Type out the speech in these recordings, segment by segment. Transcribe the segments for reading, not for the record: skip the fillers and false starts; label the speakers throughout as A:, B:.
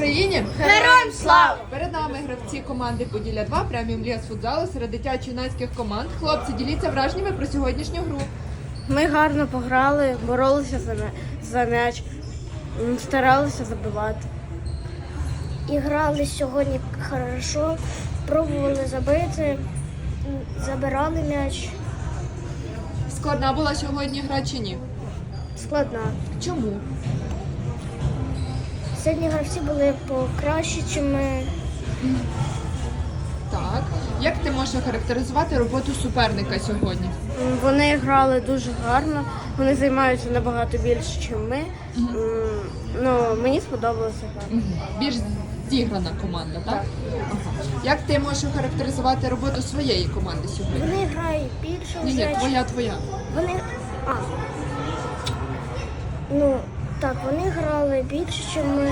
A: Україні!
B: Героям слава!
A: Перед нами гравці команди Поділля 2 преміум Ліга з футзалу серед дитячо-юнацьких команд. Хлопці, діліться враженнями про сьогоднішню гру.
B: Ми гарно пограли, боролися за м'яч, старалися забивати. І грали сьогодні хорошо, пробували забити, забирали м'яч.
A: Складна була сьогодні гра чи ні?
B: Складна.
A: Чому?
B: Сьогодні гравці були покраще, ніж ми.
A: Так. Як ти можеш охарактеризувати роботу суперника сьогодні?
B: Вони грали дуже гарно, вони займаються набагато більше, ніж ми. Ну, мені сподобалося гра.
A: Більш зіграна команда, так? Ага. Як ти можеш охарактеризувати роботу своєї команди сьогодні?
B: Вони грають більше в
A: Ні,
B: м'яч.
A: твоя.
B: Вони. Ну, так, вони грали більше, ніж ми,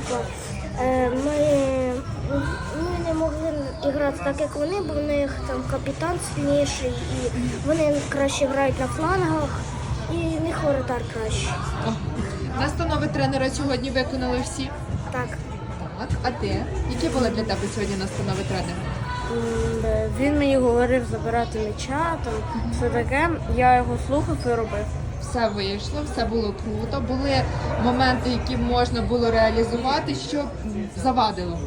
B: ми не могли грати так, як вони, бо в них там капітан сильніший, і вони краще грають на флангах, і в них воротар краще.
A: Ага. Настанови тренера сьогодні виконали всі?
B: Так.
A: Так. А ти? Які були для тебе сьогодні настанови тренера?
B: Він мені говорив забирати м'яча, там все таке, я його слухав і робив.
A: Все вийшло, все було круто. Були моменти, які можна було реалізувати, що завадило.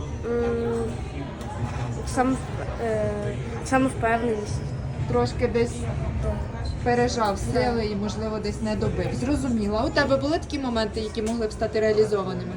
B: Самовпевненість.
A: Трошки десь пережав сили і, можливо, десь не добив. Зрозуміла. У тебе були такі моменти, які могли б стати реалізованими?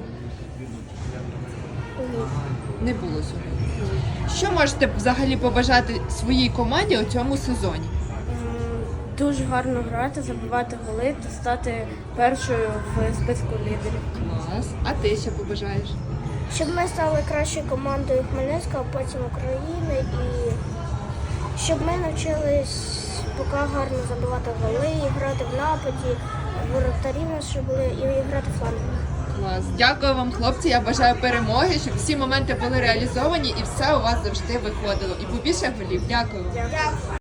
A: Не було сьогодні. Що можете взагалі побажати своїй команді у цьому сезоні?
B: Дуже гарно грати, забивати голи та стати першою в списку лідерів.
A: Клас. А ти що побажаєш?
B: Щоб ми стали кращою командою Хмельницького, а потім України, і щоб ми навчились поки гарно забивати голи, і грати в нападі, воротарі наші були, і грати в флангах.
A: Клас. Дякую вам, хлопці. Я бажаю перемоги, щоб всі моменти були реалізовані і все у вас завжди виходило. І побільше голів. Дякую.